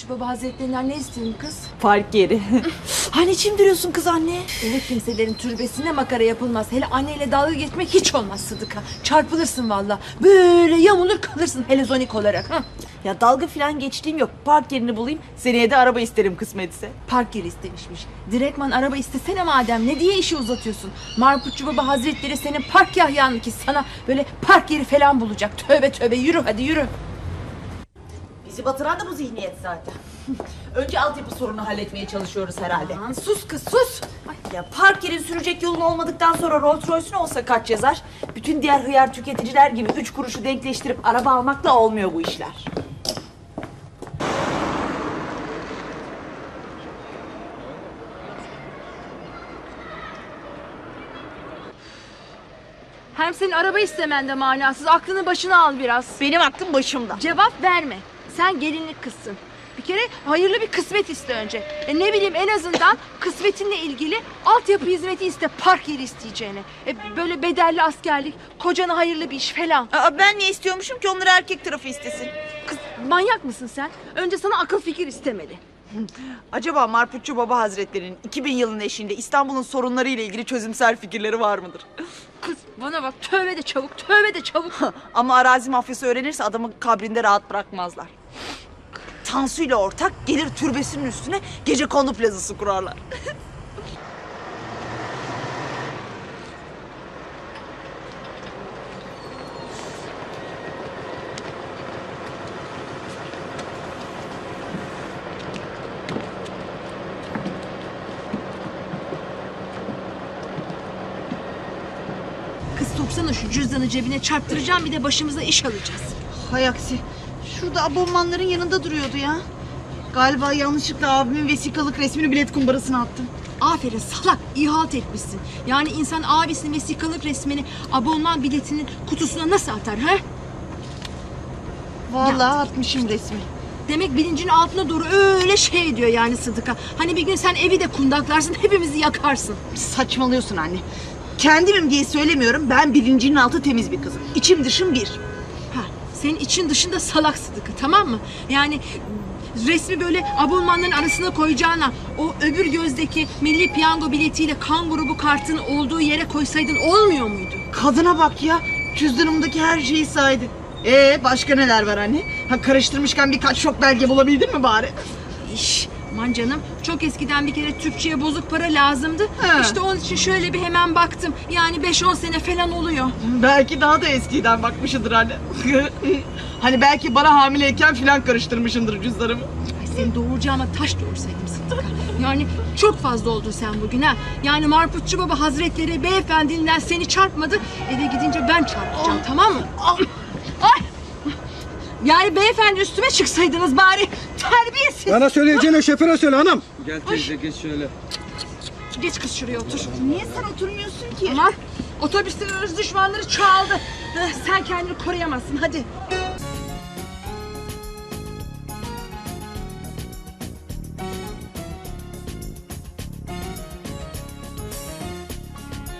Marpuççu Baba Hazretlerinden ne istiyorsun kız? Park yeri. Hani çimdiriyorsun kız anne? Öyle kimselerin türbesine makara yapılmaz. Hele anneyle dalga geçmek hiç olmaz Sıdıka. Çarpılırsın valla. Böyle yamulur kalırsın helezonik olarak. Ha? Ya dalga falan geçtiğim yok. Park yerini bulayım. Seneye de araba isterim kısmetse. Park yeri istemişmiş. Direktman araba istesene madem. Ne diye işi uzatıyorsun? Marpuççu Baba Hazretleri senin park yahyanlı ki sana böyle park yeri falan bulacak. Tövbe tövbe yürü hadi yürü. Bizi batıran da bu zihniyet zaten. Önce altyapı sorunu halletmeye çalışıyoruz herhalde. Aman sus kız sus. Ay, Ya park yerin sürecek yolun olmadıktan sonra Rolls Royce'un olsa kaç yazar? Bütün diğer hıyar tüketiciler gibi 3 kuruşu denkleştirip araba almakla olmuyor bu işler. hem senin araba istemen de manasız. Aklını başına al biraz. Benim aklım başımda. Cevap verme. Sen gelinlik kızsın. Bir kere hayırlı bir kısmet iste önce. Ne bileyim en azından kısmetinle ilgili altyapı hizmeti iste, park yeri isteyeceğine. Böyle bedelli askerlik, kocana hayırlı bir iş falan. Aa, ben niye istiyormuşum ki onları erkek tarafı istesin? Kız manyak mısın sen? Önce sana akıl fikir istemeli. Acaba Marpuççu Baba Hazretleri'nin 2000 yılının eşiğinde İstanbul'un sorunları ile ilgili çözümsel fikirleri var mıdır? Kız bana bak tövbe de çabuk, tövbe de çabuk. Ama arazi mafyası öğrenirse adamı kabrinde rahat bırakmazlar. Tansu ile ortak gelir türbesinin üstüne gecekondu plazası kurarlar. Kız soksana şu cüzdanı cebine çarptıracağım bir de başımıza iş alacağız. Hay aksi. Şurada abonmanların yanında duruyordu ya. Galiba yanlışlıkla abimin vesikalık resmini bilet kumbarasına attım. Aferin salak, iyi halt etmişsin. Yani insan abisinin vesikalık resmini abonman biletinin kutusuna nasıl atar ha? Vallahi atmışım resmi. Demek bilincin altına doğru öyle şey diyor yani Sıdıka. Hani bir gün sen evi de kundaklarsın, hepimizi yakarsın. Saçmalıyorsun anne. Kendimim diye söylemiyorum. Ben bilincinin altı temiz bir kızım. İçim dışım bir. Ha, senin için dışında salak Sıdıka, tamam mı? Yani resmi böyle abonmanların arasına koyacağına o öbür gözdeki milli piyango biletiyle kan grubu kartının olduğu yere koysaydın olmuyor muydu? Kadına bak ya. Cüzdanımdaki her şeyi saydı. Başka neler var anne? Ha, karıştırmışken birkaç şok belge bulabildin mi bari? İş, aman canım çok eskiden bir kere Türkçe'ye bozuk para lazımdı. He. İşte onun için şöyle bir hemen baktım. Yani 5-10 sene falan oluyor. Belki daha da eskiden bakmışındır anne. Hani belki bana hamileyken filan karıştırmışındır cüzdanımı. Ay seni doğuracağıma taş doğursaydım Sıdıka. Yani çok fazla oldun sen bugün ha. Yani Marpuççu Baba Hazretleri beyefendinden seni çarpmadı. Eve gidince ben çarpacağım, tamam mı? Ay! Yani beyefendi üstüme çıksaydınız bari. Terbiyesiz. Bana söyleyeceğine şoföre söyle hanım. Gel teyze geç şöyle. Geç kız şuraya otur. Niye sen oturmuyorsun ki? Aman otobüste ırz düşmanları çoğaldı. Sen kendini koruyamazsın hadi.